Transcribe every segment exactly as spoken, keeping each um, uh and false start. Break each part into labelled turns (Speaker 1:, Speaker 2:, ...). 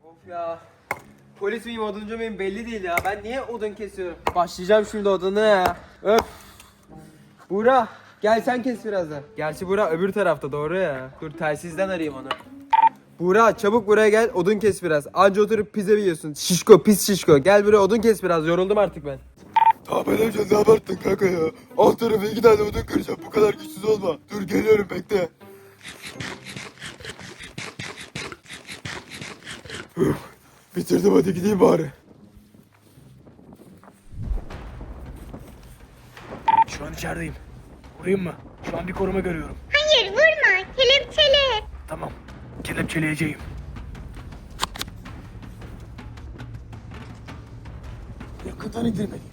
Speaker 1: Of ya. Polis miyim oduncu muyum belli değil ya. Ben niye odun kesiyorum? Başlayacağım şimdi odunu ya. Öf. Buğra gel sen kes biraz da. Gerçi Buğra öbür tarafta doğru ya. Dur telsizden arayayım onu. Buğra çabuk buraya gel odun kes biraz. Anca oturup pizza yiyorsun. Şişko pis şişko. Gel buraya odun kes biraz, yoruldum artık ben.
Speaker 2: Tamam amca, ne abarttın kanka ya. Alt tarafı iki tane odun kıracağım, bu kadar güçsüz olma. Dur geliyorum, bekle. Üf, bitirdim, hadi gideyim bari.
Speaker 3: Şu an içerideyim. Vurayım mı? Şu an bir koruma görüyorum.
Speaker 4: Hayır vurma, kelepçele.
Speaker 3: Tamam. Kelepçeleyeceğim.
Speaker 2: Yakından indirmeliyim.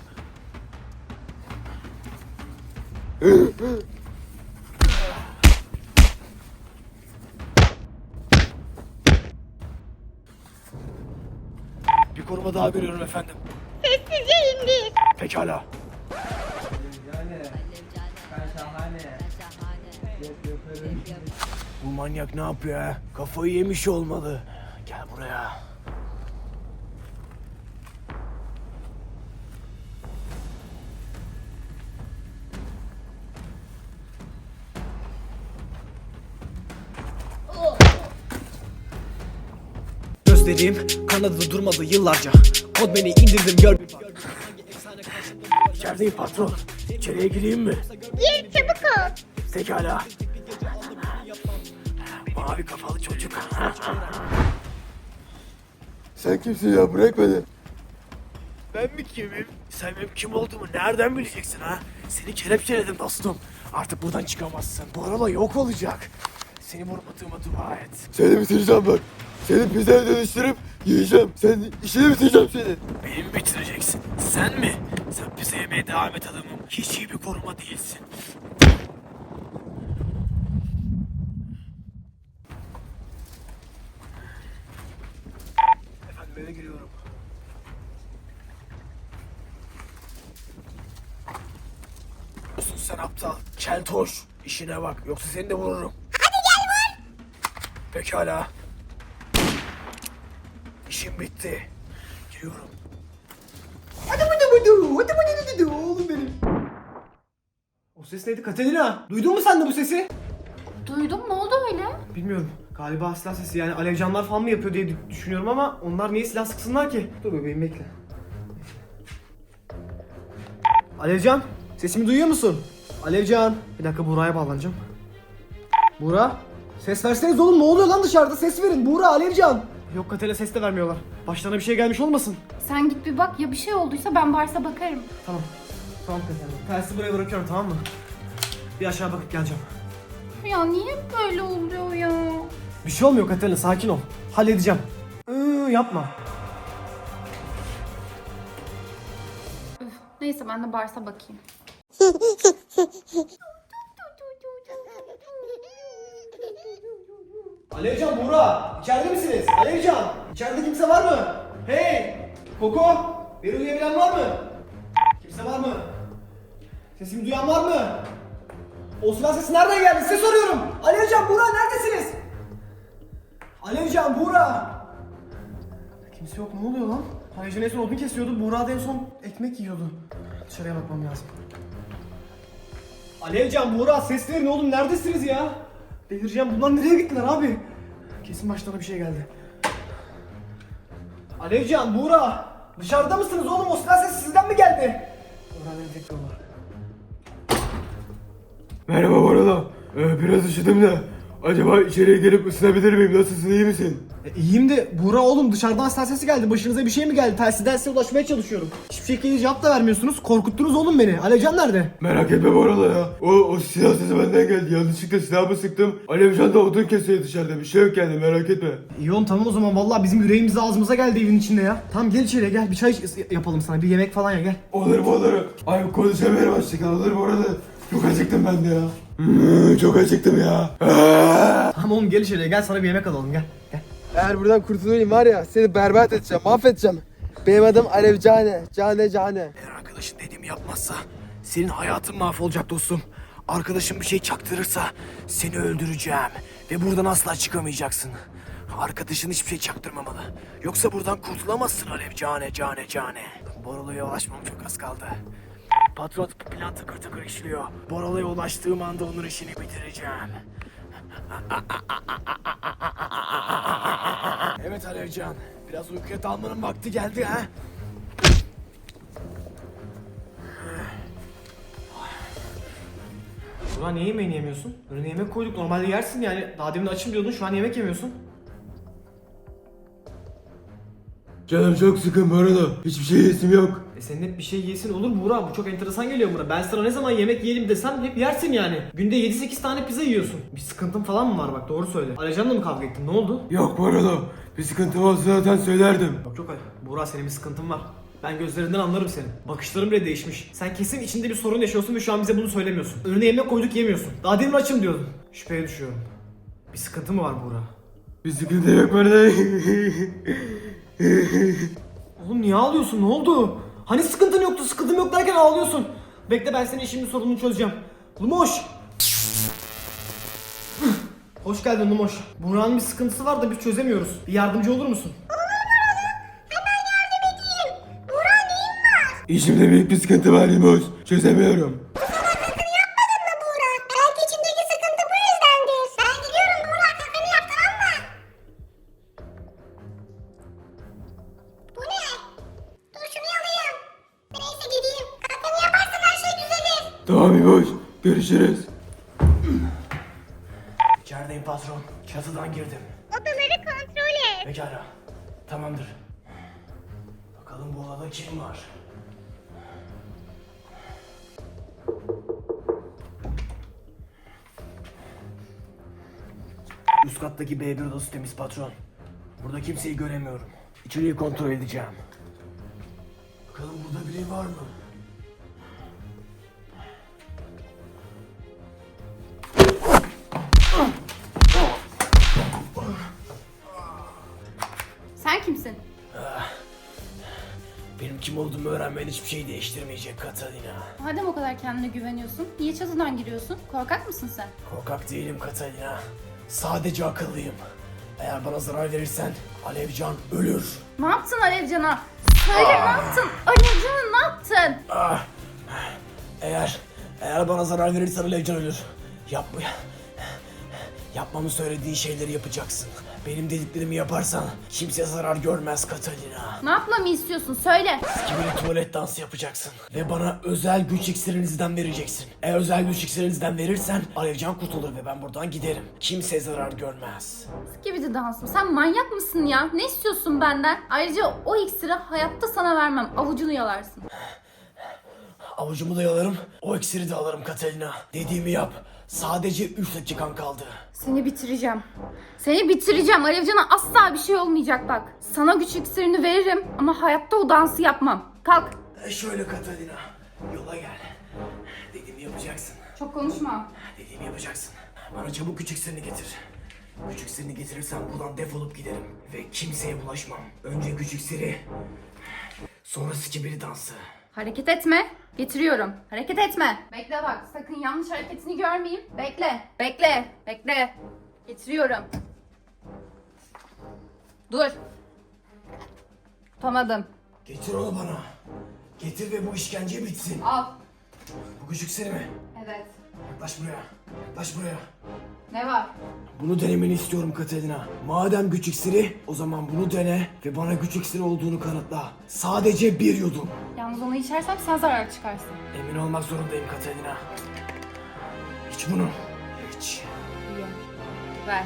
Speaker 3: Bir koruma daha görüyorum efendim.
Speaker 4: Sessizce indir.
Speaker 3: Pekala.
Speaker 1: Yani ben şahane.
Speaker 3: Bu manyak ne yapıyor ha? Kafayı yemiş olmalı. Gel buraya. Gözlerim kanadı durmadı yıllarca. Kod beni indirdim gör bir bak. İçerideyim patron. İçeriye gireyim mi?
Speaker 4: Gir çabuk ol.
Speaker 3: Pekala. Mavi kafalı çocuk.
Speaker 2: Sen kimsin ya, bırak beni.
Speaker 3: Ben mi kimim? Sen benim kim olduğumu nereden bileceksin ha? Seni kelepçeledim dostum. Artık buradan çıkamazsın. Bu araba yok olacak. Seni vurmadığıma dua et.
Speaker 2: Seni bitireceğim bak. Seni pizzaya dönüştürüp yiyeceğim. Sen işini bitireceğim seni.
Speaker 3: Beni mi bitireceksin? Sen mi? Sen pizza yemeye devam et adamım. Hiç iyi bir koruma değilsin. Efendim eve giriyorum. Olsun sen aptal. Keltoş. İşine bak. Yoksa seni de vururum. Hadi gel vur. Pekala. İşim bitti. Giriyorum.
Speaker 1: Oğlum benim. O ses neydi Katerina? Duydun mu sen de bu sesi?
Speaker 5: Duydum, ne oldu öyle?
Speaker 1: Bilmiyorum. Galiba silah sesi, yani alevcanlar falan mı yapıyor diye düşünüyorum ama onlar niye silah sıksınlar ki? Dur bebeğim bekle. Alevcan, sesimi duyuyor musun? Alevcan. Bir dakika Buğra'ya bağlanacağım. Buğra, ses verseniz oğlum, ne oluyor lan dışarıda? Ses verin Buğra, Alevcan. Yok Katerina, ses de vermiyorlar. Başlarına bir şey gelmiş olmasın?
Speaker 5: Sen git bir bak, ya bir şey olduysa ben varsa bakarım.
Speaker 1: Tamam. Tamam Katerina. Telsizi buraya bırakıyorum, tamam mı? Bir aşağı bakıp geleceğim.
Speaker 5: Ya niye böyle oluyor ya?
Speaker 1: Bir şey olmuyor Katerina, sakin ol. Halledeceğim. Iıı, yapma.
Speaker 5: Üf, neyse ben de varsa bakayım.
Speaker 1: Alevcan, Buğra, içeride misiniz? Alevcan, içeride kimse var mı? Hey! Koko, beni duyabilen var mı? Kimse var mı? Sesimi duyan var mı? O silah sesi nereden geldi? Size soruyorum. Alevcan, Buğra neredesiniz? Alevcan, Buğra. Kimse yok, ne oluyor lan? Alevcan en son odun kesiyordu, Buğra da en son ekmek yiyordu. Dışarıya bakmam lazım. Alevcan, Buğra, ses verin oğlum, neredesiniz ya? Delireceğim, bunlar nereye gittiler abi? Kesin başlarına bir şey geldi. Alevcan, Buğra, dışarıda mısınız oğlum? O silah sesi sizden mi geldi? Öğrenmeyi bekliyorlar.
Speaker 2: Merhaba bu arada. Ee, biraz üşüdüm de. Acaba içeriye gelip ısınabilir miyim? Nasılsın, iyi misin?
Speaker 1: E, iyiyim de Buğra oğlum, dışarıdan silah sesi geldi. Başınıza bir şey mi geldi? Telsizden size ulaşmaya çalışıyorum. Hiçbir şekilde cevap da vermiyorsunuz. Korkuttunuz oğlum beni. Alevcan nerede?
Speaker 2: Merak etme bu arada ya. O, o silah sesi benden geldi. Yanlışlıkla silahımı sıktım. Alevcan da odun kesiyor dışarıda. Bir şey yok yani, merak etme.
Speaker 1: İyi oğlum, tamam o zaman. Vallahi bizim yüreğimiz ağzımıza geldi evin içinde ya. Tamam gel içeriye gel. Bir çay yapalım sana. Bir yemek falan ya, gel.
Speaker 2: Olur mu olur. Ay konuşamıyorum açlıkla. Olur bu arada. Çok acıktım ben de ya. Hmm, çok acıktım ya. Aa!
Speaker 1: Tamam oğlum gel içeriye gel, sana bir yemek alalım, gel. Gel.
Speaker 6: Eğer buradan kurtulayım var ya, seni berbat edeceğim, mahvedeceğim. Benim adım Alevcane, Cane Cane.
Speaker 3: Eğer arkadaşın dediğimi yapmazsa senin hayatın mahvolacak dostum. Arkadaşın bir şey çaktırırsa seni öldüreceğim ve buradan asla çıkamayacaksın. Arkadaşın hiçbir şey çaktırmamalı. Yoksa buradan kurtulamazsın Alev cane cane cane. Boralo'ya ulaşmam çok az kaldı. Patron plan takır takır işliyor. Boralo'ya ulaştığım anda onun işini bitireceğim. Evet Alevcan, biraz uykuya dalmanın vakti geldi ha.
Speaker 7: Ulan niye yemeğini yemiyorsun? Önüne yemek koyduk, normalde yersin yani. Daha demin açım diyordun, şu an yemek yemiyorsun.
Speaker 2: Canım çok sıkın bu arada. Hiçbir şey yesim yok.
Speaker 7: E senin hep bir şey yesin olur Buğra, bu çok enteresan geliyor buna. Ben sana ne zaman yemek yiyelim desem hep yersin yani. Günde yedi sekiz tane pizza yiyorsun. Bir sıkıntın falan mı var bak, doğru söyle. Alevcan'la mı kavga ettin, ne oldu?
Speaker 2: Yok bu arada. Bir sıkıntı olsa zaten söylerdim.
Speaker 7: Yok yok Buğra, senin bir sıkıntın var. Ben gözlerinden anlarım senin. Bakışların bile değişmiş. Sen kesin içinde bir sorun yaşıyorsun ve şu an bize bunu söylemiyorsun. Önüne yemek koyduk yemiyorsun. Daha demin açım diyordun. Şüpheye düşüyorum. Bir sıkıntı mı var Buğra?
Speaker 2: Bir sıkıntı yok bu arada.
Speaker 7: Oğlum niye ağlıyorsun, ne oldu? Hani sıkıntın yoktu, sıkıntım yok derken ağlıyorsun. Bekle, ben senin şimdi sorununu çözeceğim. Lumoş! Hoş geldin Lumoş. Buğra'nın bir sıkıntısı var da biz çözemiyoruz. Bir yardımcı olur musun?
Speaker 2: İçimde büyük bir sıkıntı var Limos. Çözemiyorum.
Speaker 4: Belki içindeki sıkıntı bu yüzdendir. Ben gidiyorum Buğra, kafanı yap, tamam mı? Bu ne? Dur şunu alayım. Neyse gideyim. Kafanı yaparsan her şey düzelir.
Speaker 2: Tamam Limos. Görüşürüz.
Speaker 3: İçerideyim patron. Çatıdan girdim.
Speaker 4: Odaları kontrol et.
Speaker 3: Pekala. Tamamdır. Bakalım bu odada kim var? Üst kattaki B bir odası temiz patron. Burada kimseyi göremiyorum. İçeriği kontrol edeceğim. Bakalım burada biri var mı?
Speaker 5: Sen kimsin?
Speaker 3: Benim kim olduğumu öğrenmen hiçbir şey değiştirmeyecek Katalina.
Speaker 5: Madem o kadar kendine güveniyorsun, niye çatıdan giriyorsun? Korkak mısın sen?
Speaker 3: Korkak değilim Katalina. Sadece akıllıyım. Eğer bana zarar verirsen Alevcan ölür.
Speaker 5: Ne yaptın Alevcan'a? Söyle ne yaptın? Alevcan'a ne yaptın?
Speaker 3: Ah. Eğer eğer bana zarar verirsen Alevcan ölür. Yapma. Yapmamı söylediğin şeyleri yapacaksın. Benim dediklerimi yaparsan kimse zarar görmez Katalina.
Speaker 5: Ne yapmamı istiyorsun? Söyle.
Speaker 3: Gibi tuvalet dansı yapacaksın. Ve bana özel güç iksirinizden vereceksin. Eğer özel güç iksirinizden verirsen Alevcan kurtulur ve ben buradan giderim. Kimse zarar görmez.
Speaker 5: Skibidi dansım. Sen manyak mısın ya? Ne istiyorsun benden? Ayrıca o iksiri hayatta sana vermem. Avucunu yalarsın.
Speaker 3: Avucumu da yalarım, o iksiri de alırım Katalina. Dediğimi yap. Sadece üç dakikan kaldı.
Speaker 5: Seni bitireceğim. Seni bitireceğim. Alevcan'a asla bir şey olmayacak bak. Sana güç iksirini veririm ama hayatta o dansı yapmam. Kalk.
Speaker 3: E şöyle Katalina, yola gel. Dediğimi yapacaksın.
Speaker 5: Çok konuşma.
Speaker 3: Dediğimi yapacaksın. Bana çabuk güç iksirini getir. Güç iksirini getirirsen buradan defolup giderim. Ve kimseye bulaşmam. Önce güç iksiri, sonra skibidi dansı.
Speaker 5: Hareket etme. Getiriyorum. Hareket etme. Bekle bak. Sakın yanlış hareketini görmeyeyim. Bekle. Bekle. Bekle. Getiriyorum. Dur. Tutamadım.
Speaker 3: Getir onu bana. Getir ve bu işkence bitsin.
Speaker 5: Al.
Speaker 3: Bu güç iksiri mi?
Speaker 5: Evet.
Speaker 3: Yaklaş buraya. Yaklaş buraya.
Speaker 5: Ne var?
Speaker 3: Bunu denemeni istiyorum Katalina. Madem güç iksiri, o zaman bunu dene ve bana güç iksiri olduğunu kanıtla. Sadece bir yudum.
Speaker 5: Yalnız onu içersem sen zarar çıkarsın.
Speaker 3: Emin olmak zorundayım Katalina. İç bunu. İç.
Speaker 5: İyi. Ver.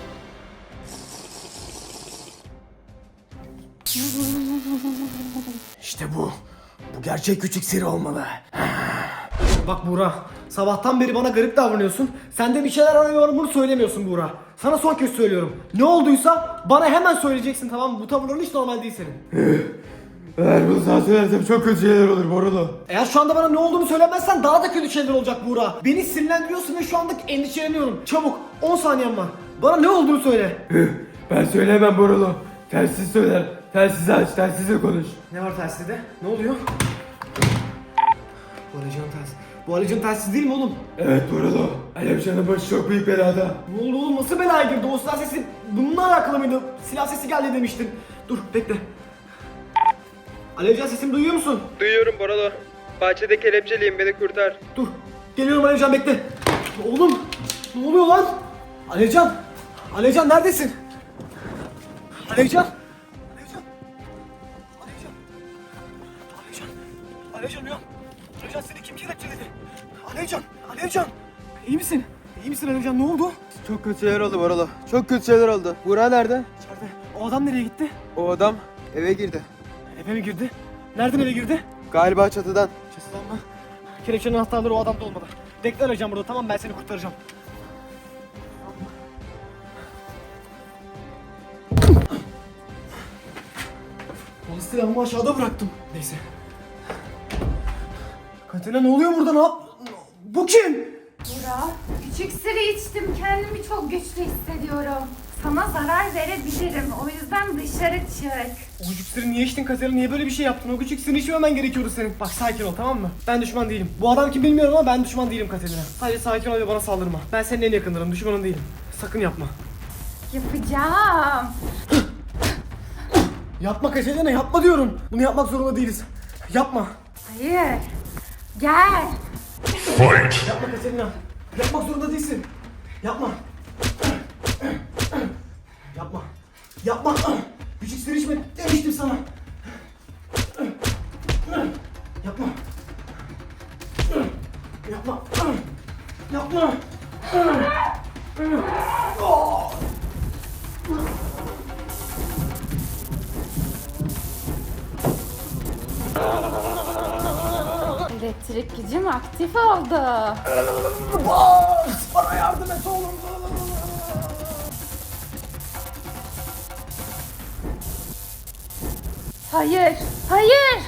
Speaker 3: İşte bu. Bu gerçek güç iksiri olmalı.
Speaker 7: Bak Buğra, sabahtan beri bana garip davranıyorsun. Sen de bir şeyler arıyorum, bunu söylemiyorsun Buğra. Sana son kez söylüyorum. Ne olduysa bana hemen söyleyeceksin, tamam mı? Bu tavırların hiç normal değil senin.
Speaker 2: Eğer bunu sana söylersem çok kötü şeyler olur bu arada.
Speaker 7: Eğer şu anda bana ne olduğunu söylemezsen daha da kötü şeyler olacak Buğra. Beni sinirlendiriyorsun ve şu anda endişeleniyorum. Çabuk, on saniyen var. Bana ne olduğunu söyle.
Speaker 2: Ben söyleyemem bu arada. Telsiz söyler. Telsizi aç, telsizle konuş.
Speaker 7: Ne var telsizde? Ne oluyor? Bu Alevcan'ın telsizi. Bu Alevcan telsiz değil mi oğlum?
Speaker 2: Evet Boralo. Alevcan'ın başı çok büyük belada.
Speaker 7: Ne oldu oğlum, nasıl belaya girdi? O silah sesi bununla alakalı mıydı? Silah sesi geldi demiştin. Dur bekle. Alevcan, sesimi duyuyor musun?
Speaker 1: Duyuyorum Boralo. Bahçede kelepçeliyim, beni kurtar.
Speaker 7: Dur. Geliyorum Alevcan, bekle. Oğlum ne oluyor lan? Alevcan. Alevcan neredesin? Alevcan. Alevcan. Alevcan. Alevcan. Alevcan uyan. Alevcan, seni kim kelepçeledi? Alevcan. Alevcan. İyi misin? İyi misin Alevcan, ne oldu?
Speaker 6: Çok kötü şeyler oldu Boralo. Çok kötü şeyler oldu. Burak nerede?
Speaker 7: İçeride. O adam nereye gitti?
Speaker 6: O adam eve girdi.
Speaker 7: Eve mi girdi? Nereden eve girdi?
Speaker 6: Galiba çatıdan.
Speaker 7: Çatıdan mı? Kelepçenin anahtarları o adamda olmalı. Bekle Alevcan burada, tamam, ben seni kurtaracağım. Polis silahımı aşağıda bıraktım. Neyse. Katerina, ne oluyor burada, ne yap? Bu kim?
Speaker 5: Burak, küçük sırrı içtim. Kendimi çok güçlü hissediyorum. Sana zarar verebilirim. O yüzden dışarı çık.
Speaker 7: O küçük sırrı niye içtin Katerina? Niye böyle bir şey yaptın? O küçük sırrı içmemen gerekiyordu senin. Bak, sakin ol, tamam mı? Ben düşman değilim. Bu adam kim bilmiyorum ama ben düşman değilim Katerina. Sadece sakin ol ve bana saldırma. Ben senin en yakınlarım, düşmanın değilim. Sakın yapma.
Speaker 5: Yapacağım.
Speaker 7: Yapma Katerina, yapma diyorum. Bunu yapmak zorunda değiliz. Yapma.
Speaker 5: Hayır. Gel.
Speaker 7: Yapma Katerina. Yapmak zorunda değilsin. Yapma. Yapma. Yapma. Küçük sır içme demiştim sana. Yapma. Yapma. Yapma.
Speaker 5: Elektrik gücüm aktif oldu.
Speaker 7: Bana yardım et oğlum.
Speaker 5: Hayır. Hayır.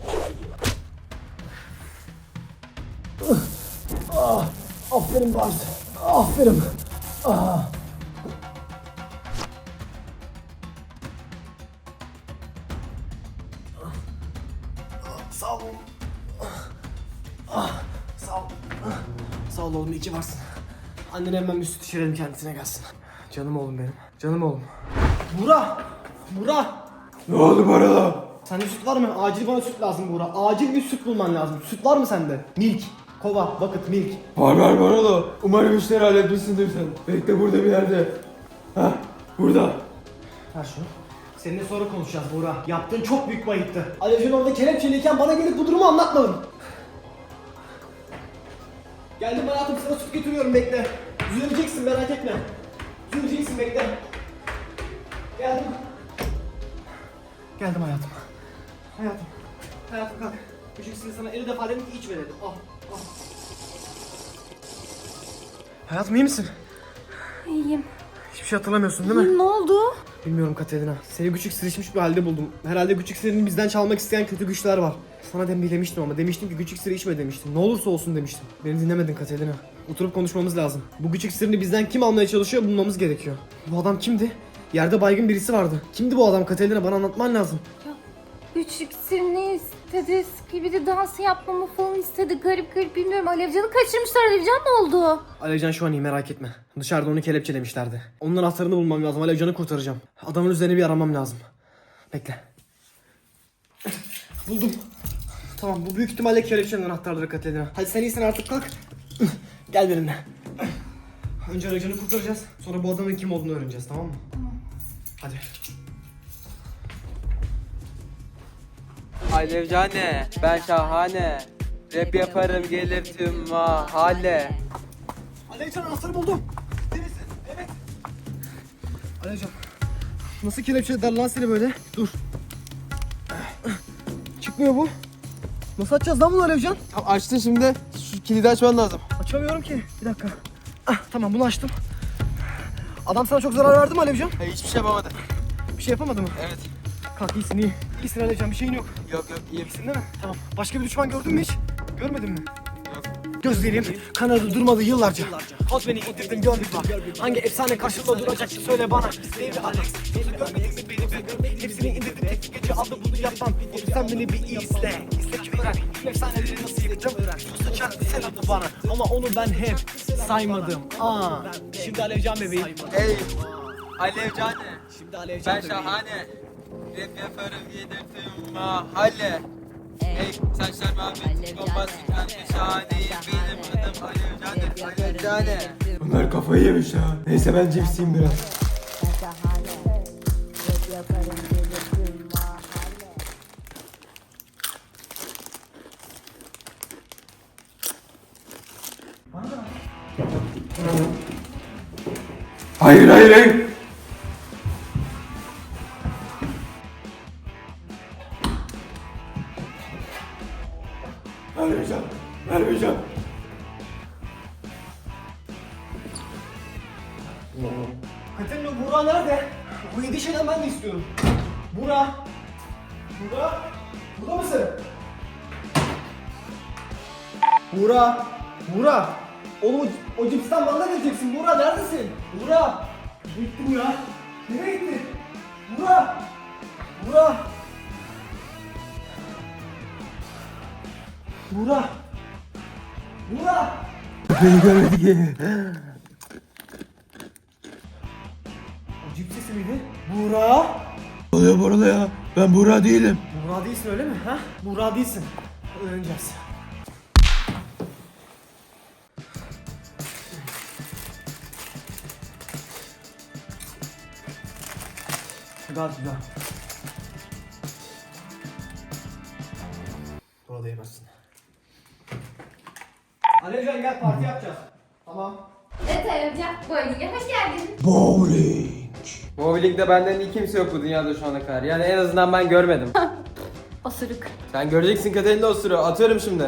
Speaker 7: Aferin Bart. Aferin. Ah. Sağ ol. Ah, sağ ol. Sağ ol oğlum, iyi ki varsın. Annene hemen bir süt içirelim, kendisine gelsin. Canım oğlum benim. Canım oğlum. Buğra! Buğra!
Speaker 2: Ne oldu Boralo?
Speaker 7: Sende süt var mı? Acil bana süt lazım Buğra. Acil bir süt bulman lazım. Süt var mı sende? Milk. Kova, bucket, milk.
Speaker 2: Var var Boralo. Umarım işleri halletmişsindir sen. Bekle burada bir yerde. Hah burada.
Speaker 7: Ver şunu. Seninle sonra konuşacağız Buğra. Yaptığın çok büyük bir ayıptı. Alevcan orada kelepçeliyken bana gelip bu durumu anlatmadın. Geldim hayatım, sana süt getiriyorum, bekle. Düzeleceksin, merak etme. Düzeleceksin, bekle. Geldim. Geldim hayatım. Hayatım. Hayatım kalk. Küçük seni sana elli defa dedim ki içme dedim. Al, al. Hayatım, iyi misin?
Speaker 5: İyiyim.
Speaker 7: Hiçbir şey hatırlamıyorsun değil mi?
Speaker 5: Ne oldu?
Speaker 7: Bilmiyorum Katerina. Seni küçük sırışmış bir halde buldum. Herhalde küçük sırrını bizden çalmak isteyen kötü güçler var. Sana demiştim ama demiştim ki küçük sırrı içme demiştim. Ne olursa olsun demiştim. Beni dinlemedin Katerina. Oturup konuşmamız lazım. Bu küçük sırrını bizden kim almaya çalışıyor bulmamız gerekiyor. Bu adam kimdi? Yerde baygın birisi vardı. Kimdi bu adam Katerina? Bana anlatman lazım.
Speaker 5: Küçük sirni istedi. Skibidi dansı yapmamı falan istedi. Garip garip, bilmiyorum. Alevcan'ı kaçırmışlar. Alevcan ne oldu?
Speaker 7: Alevcan şu an iyi, merak etme. Dışarıda onu kelepçelemişlerdi. Onun anahtarını bulmam lazım. Alevcan'ı kurtaracağım. Adamın üzerine bir aramam lazım. Bekle. Buldum. Tamam, bu büyük ihtimalle kelepçenin anahtarları Katerina. Hadi sen iyisin artık, kalk. Gel benimle. Önce Alevcan'ı kurtaracağız. Sonra bu adamın kim olduğunu öğreneceğiz, tamam mı? Hadi.
Speaker 1: Alevcane, ben şahane. Rap yaparım gelir tüm mahalle.
Speaker 7: Alevcan, anahtarı buldum. Neresi? Evet. Alevcan. Nasıl kelepçelediler lan seni böyle? Dur. Çıkmıyor bu. Nasıl açacağız lan bunu Alevcan?
Speaker 6: Tamam, açtın şimdi. Şu kilidi açman lazım.
Speaker 7: Açamıyorum ki. Bir dakika. Ah, tamam, bunu açtım. Adam sana çok zarar verdi mi Alevcan?
Speaker 6: Hayır, hiçbir şey yapamadı.
Speaker 7: Bir şey yapamadı mı?
Speaker 6: Evet.
Speaker 7: Kalk, iyisin, iyi. İyisin Alevcan, bir şeyin yok.
Speaker 6: Yok yok iyiyim.
Speaker 7: İyisin değil mi? Tamam. Başka bir düşman gördün mü hiç? Görmedin mi?
Speaker 6: Yok.
Speaker 7: Gözlerim kanadı durmadı yıllarca. Koz beni indirdin, gör bir bak. Hangi efsane karşımda duracak söyle bana. Sevgili Alex, gözü görmedin mi beni beni? Hepsini indirdim, tek gece aldım bunu yapmam. Sen beni bir iyi izle. İzle ki öğren. Şu efsaneleri nasıl yıktım? Su sıçar, selam bana. Ama onu ben hep saymadım. Aa, şimdi Alevcan bebeğim.
Speaker 1: Ey Alevcane.
Speaker 7: Şimdi Alevcan
Speaker 1: Ben
Speaker 7: bebeğim.
Speaker 1: şahane. Rap yaparım yedirtiyorum mahalle. Ey saçlar mavi, bombastik ben de şahaneyim. Benim adım Alevcane, Alevcane.
Speaker 2: Bunlar kafayı yemiş ya. Neyse ben cipsiyim biraz. Hayır hayır hayır. Vermeyeceğim. Vermeyeceğim.
Speaker 7: Katerina, Buğra nerede? Bu yedi şeyden ben de istiyorum. Buğra. Buğra. Burada mısın? Buğra. Buğra. Oğlum o, o cipsten bana da geleceksin. Buğra neredesin? Buğra. Gitti bu ya. Nereye gitti? Buğra. Buğra. Buğra. Buğra.
Speaker 2: Beni görmedi ki.
Speaker 7: O cips sesi miydi? Buğra.
Speaker 2: Ne oluyor burada ya? Ben Buğra değilim.
Speaker 7: Buğra değilsin öyle mi? Ha? Buğra değilsin. Öğreneceğiz. Gayet güzel. Burada yemezsin. Alevcan gel, parti yapacağız. Tamam.
Speaker 5: Evet Alevcan, bu evine hoş geldin.
Speaker 2: Bowling.
Speaker 1: Bowling'de benden iyi kimse yok bu dünyada şu ana kadar. Yani en azından ben görmedim.
Speaker 5: Osuruk.
Speaker 1: Sen göreceksin Katerina osuru. Atıyorum şimdi.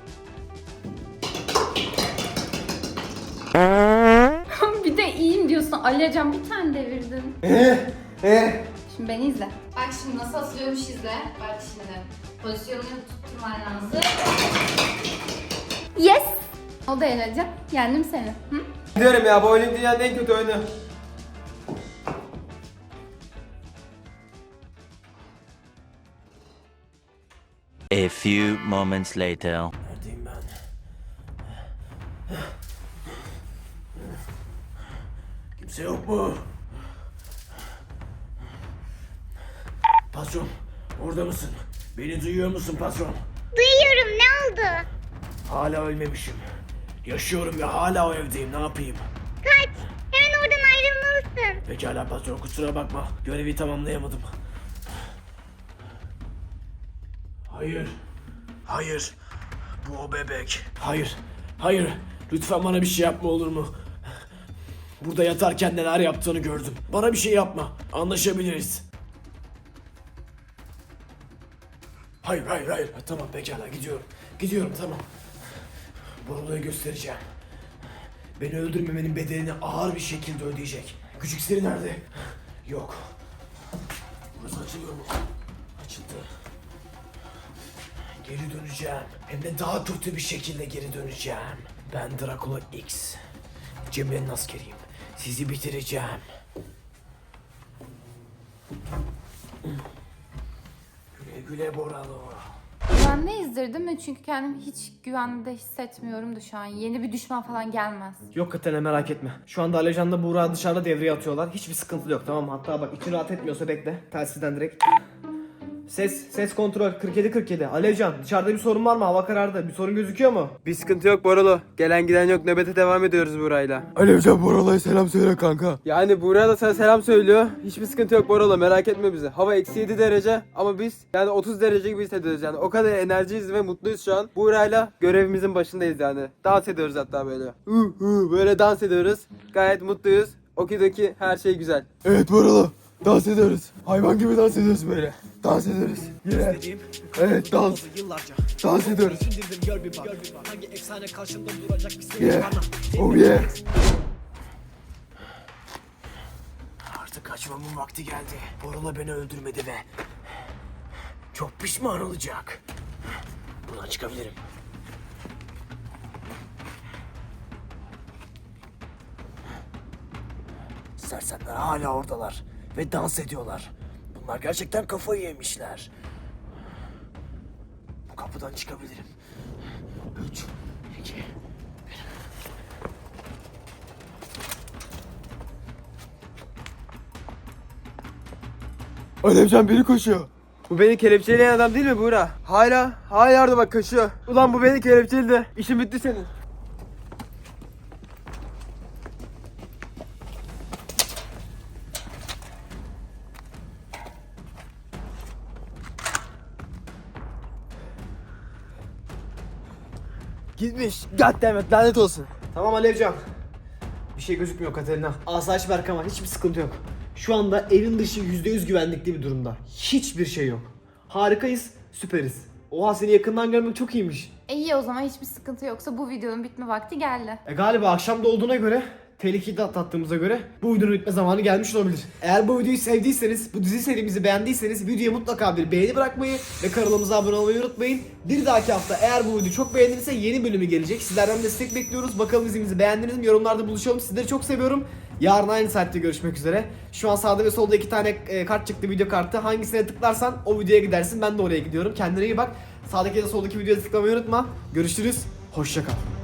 Speaker 5: Bir de iyiyim diyorsun. Alevcan bir tane devirdin.
Speaker 1: Eh, eh.
Speaker 5: Şimdi beni izle. Bak şimdi nasıl asılıyormuş izle. Bak şimdi. Pozisyonunu tutturman lazım. Yes! O da Alevcan. Yendim seni. Hı?
Speaker 1: Diyorum ya, bowling dünyanın en kötü oyunu.
Speaker 8: A few moments later.
Speaker 3: Neredeyim ben? Kimse yok mu? Patron, orada mısın? Beni duyuyor musun patron?
Speaker 4: Duyuyorum, ne oldu?
Speaker 3: Hala ölmemişim. Yaşıyorum ve hala o evdeyim. Ne yapayım?
Speaker 4: Kaç, hemen oradan ayrılmalısın.
Speaker 3: Pekala patron, kusura bakma. Görevi tamamlayamadım. Hayır. Hayır. Bu o bebek. Hayır. Hayır. Lütfen bana bir şey yapma, olur mu? Burada yatarken neler yaptığını gördüm. Bana bir şey yapma. Anlaşabiliriz. Hayır, hayır, hayır. Ha, tamam, pekala, gidiyorum. Gidiyorum, tamam. Borulu'ya göstereceğim. Beni öldürmemenin bedelini ağır bir şekilde ödeyecek. Küçük Siri nerede? Yok. Burası açılıyor mu? Açıldı. Geri döneceğim. Hem de daha kötü bir şekilde geri döneceğim. Ben Dracula X. Cemre'nin askeriyim. Sizi bitireceğim. Güle güle Boralo.
Speaker 5: Güvendeyiz değil mi? Çünkü kendimi hiç güvende hissetmiyorum da şu an. Yeni bir düşman falan gelmez.
Speaker 7: Yok Katerina, merak etme. Şu anda Alevcan'la Buğra dışarıda devreye atıyorlar. Hiçbir sıkıntı yok, tamam mı? Hatta bak, için rahat etmiyorsa bekle. Telsizden direkt. Ses, ses kontrol kırk yedi kırk yedi. Alevcan, dışarıda bir sorun var mı? Hava karardı. Bir sorun gözüküyor mu?
Speaker 1: Bir sıkıntı yok Borolo. Gelen giden yok. Nöbete devam ediyoruz Buğra'yla.
Speaker 2: Alevcan Borala'ya selam söyle kanka.
Speaker 1: Yani Buğra da sana selam söylüyor. Hiçbir sıkıntı yok Borolo, merak etme bize. Hava eksi yedi derece ama biz yani otuz derece gibi hissediyoruz yani. O kadar enerjiyiz ve mutluyuz şu an. Buğra'yla görevimizin başındayız yani. Dans ediyoruz hatta böyle. Uh, uh, böyle dans ediyoruz. Gayet mutluyuz. Okidoki, her şey güzel.
Speaker 2: Evet Borala. Dans ediyoruz. Hayvan gibi dans ediyoruz böyle. Dans ediyoruz. Yine. Evet dans.
Speaker 7: Yıllarca.
Speaker 2: Dans ediyoruz.
Speaker 7: İndirdim, gör bir bak. Hangi efsane karşımda duracak bir sevgi
Speaker 2: Yeah.
Speaker 7: bana.
Speaker 2: Oh yeah.
Speaker 3: Artık kaçmamın vakti geldi. Borula beni öldürmedi ve çok pişman olacak. Buradan çıkabilirim. Sersemler hala oradalar ve dans ediyorlar. Bunlar gerçekten kafayı yemişler. Bu kapıdan çıkabilirim. Üç, iki,
Speaker 2: Alevcan biri koşuyor.
Speaker 1: Bu beni kelepçeleyen adam değil mi Buğra? Hala, hala orada bak kaşıyor. Ulan bu beni kelepçeledi. İşin bitti senin. Gitmiş. Goddammit lanet olsun.
Speaker 7: Tamam Alevcan. Bir şey gözükmüyor Katerina. Asayiş Berk var. Hiçbir sıkıntı yok. Şu anda evin dışı yüzde yüz güvenlikli bir durumda. Hiçbir şey yok. Harikayız, süperiz. Oha seni yakından görmek çok iyiymiş.
Speaker 5: E iyi o zaman hiçbir sıkıntı yoksa bu videonun bitme vakti geldi.
Speaker 7: E galiba akşam da olduğuna göre, tehlikeyi de atlattığımıza göre bu videonun bitme zamanı gelmiş olabilir. Eğer bu videoyu sevdiyseniz, bu dizi serimizi beğendiyseniz videoya mutlaka bir beğeni bırakmayı ve kanalımıza abone olmayı unutmayın. Bir dahaki hafta eğer bu video çok beğenilirse yeni bölümü gelecek. Sizlerden destek bekliyoruz. Bakalım dizimizi beğendiniz mi? Yorumlarda buluşalım. Sizleri çok seviyorum. Yarın aynı saatte görüşmek üzere. Şu an sağda ve solda iki tane e, kart çıktı, video kartı. Hangisine tıklarsan o videoya gidersin. Ben de oraya gidiyorum. Kendine iyi bak. Sağdaki ya da soldaki videoya tıklamayı unutma. Görüşürüz. Hoşça kal.